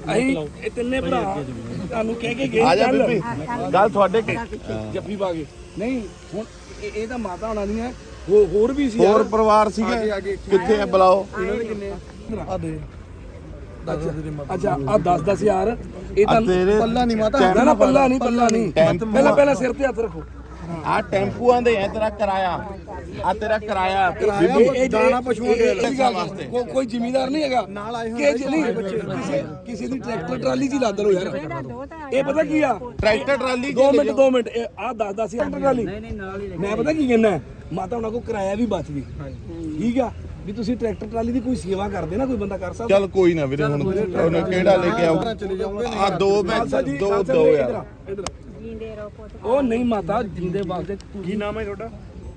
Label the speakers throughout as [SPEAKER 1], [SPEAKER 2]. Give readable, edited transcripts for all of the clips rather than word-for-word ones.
[SPEAKER 1] ਅਸੀਂ ਇਹ ਤਿੰਨੇ ਭਰਾ ਤੁਹਾਨੂੰ ਕਹਿ ਕੇ ਗਏ
[SPEAKER 2] ਆ ਜਾ ਬੀਬੀ ਗੱਲ ਤੁਹਾਡੇ
[SPEAKER 1] ਜੱਫੀ ਪਾ ਕੇ ਨਹੀਂ ਹੁਣ ਇਹ ਤਾਂ ਮਾਤਾ ਹੋਣਾ ਦੀਆਂ ਹੋਰ ਵੀ ਸੀ
[SPEAKER 2] ਹੋਰ ਪਰਿਵਾਰ ਸੀਗੇ ਕਿੱਥੇ ਆ ਬੁਲਾਓ
[SPEAKER 1] ਇਹਨਾਂ ਦੇ ਕਿੰਨੇ ਆ ਦੇ ਅੱਛਾ ਆ 10 ਯਾਰ ਇਹ ਤਾਂ
[SPEAKER 3] ਪੱਲਾ ਨਹੀਂ ਮਾਤਾ
[SPEAKER 1] ਨਾ ਪੱਲਾ ਨਹੀਂ ਪਹਿਲਾਂ ਸਿਰ ਤੇ ਹੱਥ ਰੱਖੋ
[SPEAKER 2] ਆ ਟੈਂਪੂਆਂ ਦੇ ਐ ਤੇਰਾ ਕਿਰਾਇਆ ਆ ਤੇਰਾ ਕਿਰਾਇਆ
[SPEAKER 1] ਇਹ
[SPEAKER 3] ਦਾਣਾ ਪਸ਼ੂਆਂ ਦੇ
[SPEAKER 2] ਵਾਸਤੇ
[SPEAKER 1] ਕੋਈ ਜ਼ਿਮੀਦਾਰ ਨਹੀਂ ਹੈਗਾ
[SPEAKER 3] ਨਾਲ ਆਏ
[SPEAKER 1] ਹੋਏ ਕਿਸੇ ਦੀ ਟਰੈਕਟਰ ਟਰਾਲੀ 'ਚ ਹੀ ਲੱਦ ਲੋ ਯਾਰ ਇਹ ਪਤਾ ਕੀ ਆ
[SPEAKER 2] ਟਰੈਕਟਰ ਟਰਾਲੀ
[SPEAKER 1] 2 ਮਿੰਟ ਆ 10 ਟਰੈਕਟਰ ਟਰਾਲੀ ਮੈਂ ਪਤਾ ਕੀ ਕਹਿੰਦਾ ਮਾਤਾ ਉਹਨਾਂ ਕੋ ਕਿਰਾਇਆ ਵੀ ਬਚਦੀ ਠੀਕ ਆ ਵੀ ਤੁਸੀਂ ਟਰੈਕਟਰ ਟਰਾਲੀ ਦੀ ਕੋਈ ਸੇਵਾ ਕਰਦੇ ਨਾ ਕੋਈ ਬੰਦਾ ਕਰ ਸਕਦਾ
[SPEAKER 2] ਚੱਲ ਕੋਈ ਨਾ ਵੀਰੇ ਹੁਣ ਉਹਨੇ ਕਿਹੜਾ ਲੈ ਕੇ ਆਉ ਆ ਦੋ ਯਾਰ
[SPEAKER 1] ਉਹ ਨਹੀਂ ਮਾਤਾ ਜਿੰਦੇ ਵਾਸਤੇ
[SPEAKER 4] ਕੀ ਨਾਮ ਹੈ ਤੁਹਾਡਾ?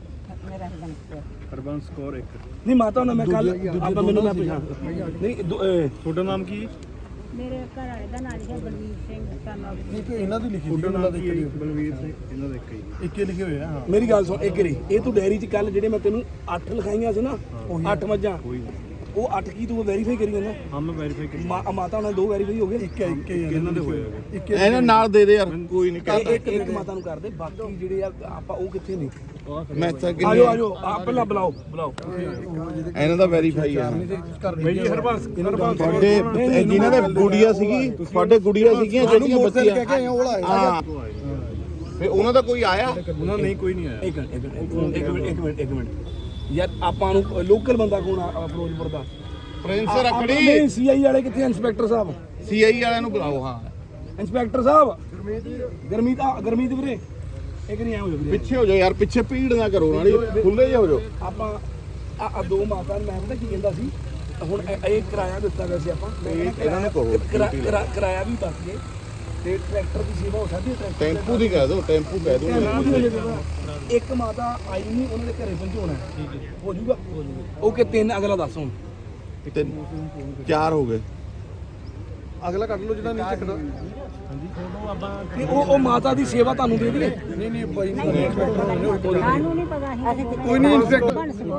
[SPEAKER 4] ਹਰਬੰਸ ਕੌਰ ਇੱਕ।
[SPEAKER 1] ਨਹੀਂ ਮਾਤਾ ਉਹਨਾਂ ਮੈਂ ਕੱਲ ਆਪਾਂ ਮੈਨੂੰ ਮੈਂ ਪਛਾਣ ਨਹੀਂ
[SPEAKER 4] ਤੁਹਾਡਾ ਨਾਮ ਕੀ?
[SPEAKER 5] ਮੇਰੇ ਘਰ ਵਾਲੇ ਦਾ ਨਾਮ ਹੈ ਬਲਵੀਰ ਸਿੰਘ ਸਾਨੂੰ
[SPEAKER 3] ਨਹੀਂ ਕਿ ਇਹਨਾਂ ਦੀ ਲਿਖੀ ਸੀ
[SPEAKER 4] ਤੁਹਾਡਾ ਨਾਮ ਕੀ ਹੈ? ਬਲਵੀਰ ਸਿੰਘ ਇਹਨਾਂ ਦਾ ਇੱਕ ਹੀ।
[SPEAKER 3] ਇੱਕੇ ਲਿਖੇ ਹੋਏ ਆ ਹਾਂ
[SPEAKER 1] ਮੇਰੀ ਗੱਲ ਸੁਣ ਇੱਕ ਰੀ ਇਹ ਤੂੰ ਡੈਰੀ 'ਚ ਕੱਲ ਜਿਹੜੇ ਮੈਂ ਤੈਨੂੰ 8 ਲਿਖਾਈਆਂ ਸੀ ਨਾ 8 ਮੱਝਾਂ ਉਹ 8 ਕੀ ਤੂੰ ਵੈਰੀਫਾਈ ਕਰੀ ਜਾਂਦਾ
[SPEAKER 4] ਹਾਂ ਮੈਂ ਵੈਰੀਫਾਈ ਕੀਤੀ।
[SPEAKER 1] ਮਾਤਾ ਉਹਨਾਂ 2 ਵੈਰੀਫਾਈ ਹੋ ਗਏ
[SPEAKER 3] ਇੱਕੇ
[SPEAKER 4] ਇਹਨਾਂ ਦੇ ਹੋਏ ਹੈਗੇ।
[SPEAKER 2] ਇਹਨਾਂ ਨਾਲ ਦੇ ਦੇ ਯਾਰ ਕੋਈ ਨਹੀਂ
[SPEAKER 1] ਇੱਕ ਮਾਤਾ ਨੂੰ ਕਰਦੇ ਬਾਕੀ ਜਿਹੜੇ ਆ ਆਪਾਂ ਉਹ ਕਿੱਥੇ ਨੇ
[SPEAKER 2] ਮੈਂ ਤਾਂ
[SPEAKER 1] ਆਜੋ ਆ ਪਹਿਲਾਂ ਬੁਲਾਓ
[SPEAKER 2] ਇਹਨਾਂ ਦਾ ਵੈਰੀਫਾਈ ਆ
[SPEAKER 4] ਬਈ ਜੀ ਹਰਬੰਸ
[SPEAKER 2] ਤੁਹਾਡੇ ਜਿਨ੍ਹਾਂ ਦੇ ਗੁੜੀਆ ਸੀਗੀ ਤੁਹਾਡੇ ਗੁੜੀਆ ਸੀਗੀਆਂ ਜਿਹੜੀਆਂ ਬੱਚੀਆਂ
[SPEAKER 3] ਕਹਿ ਕੇ ਉਹ ਆਏ
[SPEAKER 2] ਹਾਂ ਫੇ ਉਹਨਾਂ ਦਾ ਕੋਈ ਆਇਆ
[SPEAKER 4] ਉਹਨਾਂ ਨਹੀਂ ਕੋਈ ਨਹੀਂ ਆਇਆ।
[SPEAKER 1] ਇੱਕ ਮਿੰਟ ਯਾਰ ਆਪਾਂ ਨੂੰ ਲੋਕਲ ਬੰਦਾ ਕੋਣ ਆ ਫਿਰੋਜ਼ਪੁਰ ਦਾ
[SPEAKER 2] ਪ੍ਰਿੰਸ ਰਖੜੀ
[SPEAKER 1] ਨਹੀਂ ਸੀਆਈ ਵਾਲੇ ਕਿੱਥੇ ਇੰਸਪੈਕਟਰ ਸਾਹਿਬ
[SPEAKER 2] ਸੀਆਈ ਵਾਲਿਆਂ ਨੂੰ ਬੁਲਾਓ ਹਾਂ
[SPEAKER 1] ਇੰਸਪੈਕਟਰ ਸਾਹਿਬ ਗਰਮੀਤ ਵੀਰੇ ਇੱਕ ਨਹੀਂ ਆ ਹੋ ਵੀਰੇ
[SPEAKER 2] ਪਿੱਛੇ ਹੋ ਜਾਓ ਯਾਰ ਪਿੱਛੇ ਭੀੜ ਨਾ ਕਰੋ ਨਾਲੇ ਖੁੱਲੇ ਜਿਹਾ ਹੋ ਜਾਓ
[SPEAKER 1] ਆਪਾਂ ਆ 2 ਮਾਤਾ ਨੂੰ ਮੈਂ ਪਤਾ ਕੀ ਕਹਿੰਦਾ ਸੀ ਹੁਣ ਇਹ ਕਿਰਾਇਆ ਦਿੱਤਾ ਗਿਆ ਸੀ ਆਪਾਂ
[SPEAKER 2] ਇਹਨਾਂ ਨੂੰ ਕਹੋ
[SPEAKER 1] ਕਿਰਾਇਆ ਵੀ ਬਚ ਗਏ ਤੇ ਟਰੈਕਟਰ ਦੀ ਸੇਵਾ ਹੋ ਸਕਦੀ ਹੈ
[SPEAKER 2] ਟੈਂਪੂ ਦੀ ਕਹਿ ਦਿਓ ਟੈਂਪੂ ਕਹਿ ਦਿਓ
[SPEAKER 1] ਇੱਕ ਮਾਤਾ ਆਈ ਨਹੀਂ ਉਹਨਾਂ ਦੇ ਘਰੇ ਪਹੁੰਚਾਉਣਾ ਹੋ ਜਾਊਗਾ ਓਕੇ 3 ਅਗਲਾ ਦੱਸ ਹੁਣ
[SPEAKER 2] ਤੇ 4 ਹੋ ਗਏ
[SPEAKER 3] ਅਗਲਾ ਕੱਢ ਲਓ ਜਿਹੜਾ ਨਹੀਂ ਚੱਕਦਾ
[SPEAKER 1] ਤੇ ਉਹ ਮਾਤਾ ਦੀ ਸੇਵਾ ਤੁਹਾਨੂੰ ਦੇ ਦੇਗੇ
[SPEAKER 3] ਨਹੀਂ ਬਾਈ ਨਹੀਂ
[SPEAKER 5] ਸਾਨੂੰ ਨਹੀਂ ਪਤਾ ਸੀ
[SPEAKER 3] ਕੋਈ ਨਹੀਂ ਇੰਸਪੈਕਟਰ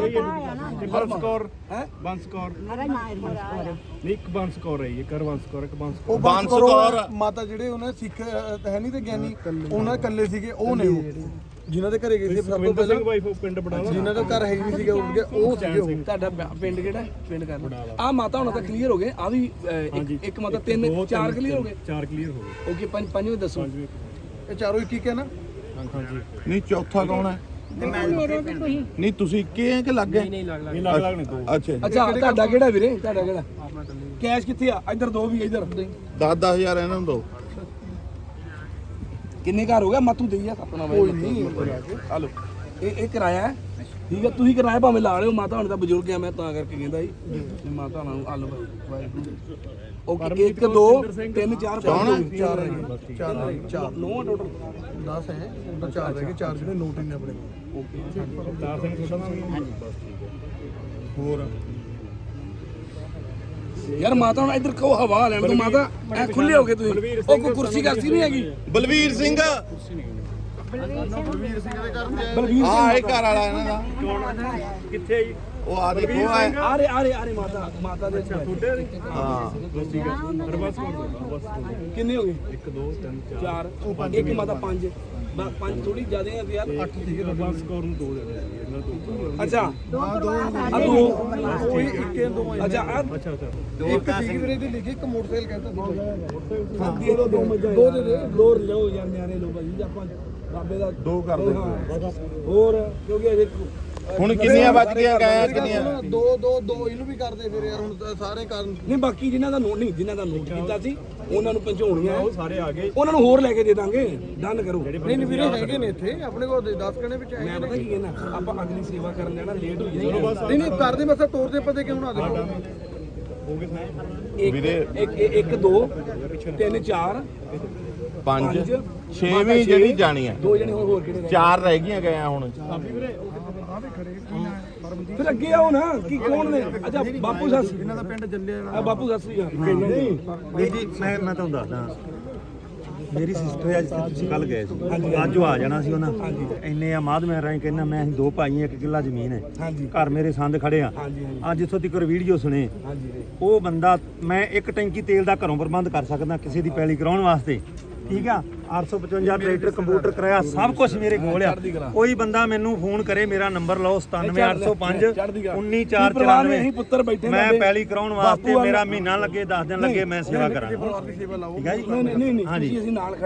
[SPEAKER 4] ਬੰਸ ਕੌਰ
[SPEAKER 1] ਹੈ
[SPEAKER 4] ਬੰਸ ਕੌਰ
[SPEAKER 5] ਮੇਰਾ ਨਾਮ ਹੈ
[SPEAKER 4] ਨਹੀਂ ਇੱਕ ਬੰਸ ਕੌਰ ਹੈ ਇਹ ਕਰ ਬੰਸ ਕੌਰ ਇੱਕ ਬੰਸ
[SPEAKER 3] ਉਹ
[SPEAKER 2] ਬੰਸ ਕੌਰ
[SPEAKER 3] ਮਾਤਾ ਜਿਹੜੇ ਉਹਨਾਂ ਸਿੱਖ ਹੈ ਨਹੀਂ ਤੇ ਗਿਆਨੀ ਉਹਨਾਂ ਇਕੱਲੇ ਸੀਗੇ ਉਹ ਨੇ ਉਹ ਜਿਨ੍ਹਾਂ ਦੇ ਘਰੇ ਗਏ ਸੀ ਸਭ ਤੋਂ
[SPEAKER 4] ਸੁਖਵਿੰਦਰ ਸਿੰਘ
[SPEAKER 3] ਪਹਿਲਾਂ
[SPEAKER 4] ਵਾਈਫ ਪਿੰਡ ਬਟਾਲਾ।
[SPEAKER 3] ਜਿਨ੍ਹਾਂ ਦਾ ਘਰ ਹੈ ਹੀ ਨਹੀਂ ਸੀਗਾ ਉਹ ਸੀਗੇ ਉਹ
[SPEAKER 1] ਤੁਹਾਡਾ ਪਿੰਡ ਕਿਹੜਾ ਪਿੰਡ ਕਰਨਾ ਆ ਮਾਤਾ ਹੁਣ ਤਾਂ ਕਲੀਅਰ ਹੋ ਗਏ ਆ ਵੀ ਇੱਕ ਮਾਤਾ 3 4 ਕਲੀਅਰ ਹੋ ਗਏ
[SPEAKER 4] 4 ਕਲੀਅਰ ਹੋ ਗਏ।
[SPEAKER 1] ਓਕੇ ਪੰਜਵੇਂ ਦੱਸੋ
[SPEAKER 3] ਇਹ ਚਾਰੋਂ ਇੱਕ ਹੈ ਨਾ
[SPEAKER 4] ਹਾਂਜੀ
[SPEAKER 2] ਨਹੀਂ ਚੌਥਾ ਕੌਣ ਹੈ
[SPEAKER 5] ਮੇਰੇ ਤੇ ਕੋਈ
[SPEAKER 2] ਨਹੀਂ ਤੁਸੀਂ ਇੱਕੇ ਹੈ ਕਿ ਲੱਗ ਗਏ
[SPEAKER 4] ਇਹ ਲੱਗ ਲੱਗ ਨੇ ਦੋ।
[SPEAKER 2] ਅੱਛਾ
[SPEAKER 1] ਅੱਛਾ ਤੁਹਾਡਾ ਕਿਹੜਾ ਵੀਰੇ ਤੁਹਾਡਾ ਕਿਹੜਾ ਕੈਸ਼ ਕਿੱਥੇ ਆ ਇੱਧਰ ਦੋ ਵੀ ਇੱਧਰ
[SPEAKER 2] 10,000 ਇਹਨਾਂ ਨੂੰ ਦਿਓ
[SPEAKER 1] ਕਿੰਨੇ ਘਰ ਹੋ ਗਿਆ ਮਾਤੂ ਦੇਈ ਆ ਆਪਣਾ ਕੋਈ ਨਹੀਂ ਹਲੋ ਇਹ ਕਿਰਾਇਆ ਹੈ ਠੀਕ ਹੈ ਤੁਸੀਂ ਕਿਰਾਇਆ ਭਾਵੇਂ ਲਾ ਲਿਓ ਮਾਤਾ ਹੁਣ ਤਾਂ ਬਜ਼ੁਰਗ ਆ ਮੈਂ ਤਾਂ ਕਰਕੇ ਕਹਿੰਦਾ ਜੀ ਮਾਤਾ ਨੂੰ ਹਲੋ ਓਕੇ 1 2 3 4 5
[SPEAKER 3] ਚਾਰ
[SPEAKER 1] 9 ਟੋਟਲ
[SPEAKER 3] 10 ਹੈ ਉਹਦਾ 4 ਰਹਿ ਗਏ 4 ਜਿਹੜੇ ਨੋਟ ਹੀ ਨੇ ਆਪਣੇ ਕੋਲ
[SPEAKER 4] ਅਵਤਾਰ ਸਿੰਘ ਤੁਹਾਡਾ ਨਾਮ ਕੀ? ਬਸ ਠੀਕ ਹੈ।
[SPEAKER 2] ਹੋਰ
[SPEAKER 1] ਯਾਰ ਮਾਤਾ ਹੁਣ ਇੱਧਰ ਕਹੋ ਹਵਾ ਲੈਣ ਤੋਂ ਮਾਤਾ ਐ ਖੁੱਲੇ ਹੋ ਗਏ ਤੁਸੀਂ ਉਹ ਕੋਈ ਕੁਰਸੀ ਕਰਸੀ ਨਹੀਂ ਹੈਗੀ
[SPEAKER 2] ਬਲਵੀਰ ਸਿੰਘ
[SPEAKER 1] ਬਲਵੀਰ
[SPEAKER 2] ਆ ਇਹ ਘਰ ਵਾਲਾ ਇਹਨਾਂ ਦਾ
[SPEAKER 4] ਕੌਣ ਕਿੱਥੇ ਹੈ ਜੀ?
[SPEAKER 2] ਉਹ ਆ ਦੇਖੋ ਆ
[SPEAKER 1] ਆਰੇ ਮਾਤਾ ਦੇ
[SPEAKER 4] ਤੁਹਾਡੇ
[SPEAKER 2] ਹਾਂ
[SPEAKER 4] ਬਸ ਠੀਕ ਹੈ। ਹਰਬੰਸ ਕੌਰ ਤੁਹਾਡਾ ਬਸ
[SPEAKER 1] ਕਿੰਨੇ ਹੋ ਗਏ
[SPEAKER 4] 1 2 3 4
[SPEAKER 1] 4 ਇੱਕ ਮਾਤਾ 5 5 ਥੋੜੀ ਜ਼ਿਆਦਾ ਆ ਯਾਰ 8
[SPEAKER 4] ਠੀਕ ਹੈ। ਹਰਬੰਸ ਕੌਰ ਨੂੰ 2 ਦੇ ਦਿਓ ਜੀ, ਇਹਨਾਂ ਤੋਂ।
[SPEAKER 1] ਅੱਛਾ ਆ ਦੋ
[SPEAKER 3] ਕੋਈ ਇੱਕੇ ਦੋ
[SPEAKER 1] ਅੱਛਾ ਆ
[SPEAKER 4] ਅੱਛਾ ਅੱਛਾ
[SPEAKER 3] ਇੱਕ ਸੀਗੀ ਵੀਰੇ ਦੀ ਲਿਖੀ ਇੱਕ ਮੋਟਰਸਾਈਕਲ ਕਹਿੰਦਾ
[SPEAKER 1] ਦੇ ਦੋ ਮੱਝਾਂ ਦੋ ਦੇ ਦੋ ਲਓ ਯਾਰ ਨਿਆਰੇ ਲੋ ਭਾਜੀ ਆਪਾਂ ਬਾਬੇ ਦਾ
[SPEAKER 2] 2 ਕਰ ਦਿਓ
[SPEAKER 1] ਹੋਰ ਕਿਉਂਕਿ ਅਜੇ
[SPEAKER 2] ਹੁਣ ਕਿੰਨੀਆਂ ਵੱਜ ਗਈਆਂ ਗਾਇਆ ਕਿੰਨੀਆਂ
[SPEAKER 3] ਦੋ ਇਹਨੂੰ ਵੀ ਕਰਦੇ ਫਿਰ ਯਾਰ ਹੁਣ ਸਾਰੇ ਕਾਰਨ
[SPEAKER 1] ਨਹੀਂ ਬਾਕੀ ਜਿਨ੍ਹਾਂ ਦਾ ਨੋਟ ਨਹੀਂ ਜਿਨ੍ਹਾਂ ਦਾ ਨੋਟ ਕੀਤਾ ਸੀ ਉਹਨਾਂ ਨੂੰ ਪਹੁੰਚਾਉਣੀਆਂ
[SPEAKER 4] ਉਹ ਸਾਰੇ ਆ ਗਏ।
[SPEAKER 1] ਉਹਨਾਂ ਨੂੰ ਹੋਰ ਲੈ ਕੇ ਦੇ ਦਾਂਗੇ ਡਨ ਕਰੋ
[SPEAKER 3] ਨਹੀਂ ਵੀਰੇ ਹੈਗੇ ਨੇ ਇੱਥੇ ਆਪਣੇ ਕੋਲ 10 ਕਣੇ ਵਿੱਚ
[SPEAKER 1] ਮੈਂ ਪਤਾ ਕੀ ਕਹਿਣਾ ਆਪਾਂ ਅਗਲੀ ਸੇਵਾ ਕਰਨ ਜਾਣਾ ਲੇਟ ਹੋ ਜਾਏਗਾ
[SPEAKER 3] ਨਹੀਂ ਕਰਦੇ ਮਸਾ ਤੋਰ ਦੇ ਪਤੇ ਕਿਉਂ ਨਾ ਦੇਖੋ
[SPEAKER 4] ਹੋ ਗਏ ਨਾ।
[SPEAKER 1] ਇੱਕ 2 3 4
[SPEAKER 2] 5 6ਵੀਂ ਜਿਹੜੀ ਜਾਣੀ ਆ
[SPEAKER 1] 2 ਜਣੇ ਹੋਰ ਕਿਹੜੇ
[SPEAKER 2] 4 ਰਹਿ ਗਈਆਂ ਗਏ ਹੁਣ
[SPEAKER 1] ਫਿਰ ਅੱਗੇ ਆਓ ਨਾ ਕੀ ਕੌਣ ਨੇ ਅੱਛਾ ਬਾਪੂ ਸੱਸ
[SPEAKER 3] ਇਹਨਾਂ ਦਾ ਪਿੰਡ ਜੱਲੇ ਵਾਲਾ
[SPEAKER 1] ਬਾਪੂ ਸੱਸ ਵੀ ਨਹੀਂ
[SPEAKER 4] ਜੀ ਮੈਂ ਤੁਹਾਨੂੰ ਦੱਸਦਾ
[SPEAKER 6] ਮੇਰੀ ਸਿਸਟਰ ਅੱਜ ਤੁਸੀਂ ਕੱਲ ਗਏ ਸੀ ਅੱਜ ਉਹ ਆ ਜਾਣਾ ਸੀ ਉਹਨਾਂ ਇੰਨੇ ਆਮਾਦ ਮੈਂ ਰਾਈ ਕਹਿੰਦਾ ਮੈਂ ਅਸੀਂ 2 ਭਾਈ 1 ਕਿੱਲਾ ਜ਼ਮੀਨ ਹੈ
[SPEAKER 1] ਹਾਂਜੀ
[SPEAKER 6] ਘਰ ਮੇਰੇ ਸੰਦ ਖੜੇ ਆ
[SPEAKER 1] ਹਾਂਜੀ
[SPEAKER 6] ਅੱਜ ਇੱਥੋਂ ਤੱਕ ਵੀਡੀਓ ਸੁਣੇ
[SPEAKER 1] ਹਾਂਜੀ
[SPEAKER 6] ਉਹ ਬੰਦਾ ਮੈਂ 1 ਟੈਂਕੀ ਤੇਲ ਦਾ ਘਰੋਂ ਪ੍ਰਬੰਧ ਕਰ ਸਕਦਾ ਕਿਸੇ ਦੀ ਪੈਲੀ ਕਰਾਉਣ ਵਾਸਤੇ ਠੀਕ ਆ 855 ਟਰੈਕਟਰ ਕੰਪਿਊਟਰ ਕਰਾਇਆ ਸਭ ਕੁਝ ਮੇਰੇ ਕੋਲ ਆ ਕੋਈ ਬੰਦਾ ਮੈਨੂੰ ਫੋਨ ਕਰੇ ਮੇਰਾ ਨੰਬਰ ਲਓ 97805 19494
[SPEAKER 1] ਅਸੀਂ ਪੁੱਤਰ ਬੈਠੇ
[SPEAKER 6] ਮੈਂ ਪੈਲੀ ਕਰਾਉਣ ਵਾਸਤੇ ਮੇਰਾ ਮਹੀਨਾ ਲੱਗੇ 10 ਦਿਨ ਲੱਗੇ ਮੈਂ ਸੇਵਾ ਕਰਾਂ
[SPEAKER 3] ਪਰਿਵਾਰ ਦੀ ਸੇਵਾ ਲਾਓ
[SPEAKER 6] ਠੀਕ ਹੈ ਜੀ
[SPEAKER 1] ਨਹੀਂ ਨਹੀਂ ਨਹੀਂ ਅਸੀਂ ਨਾਲ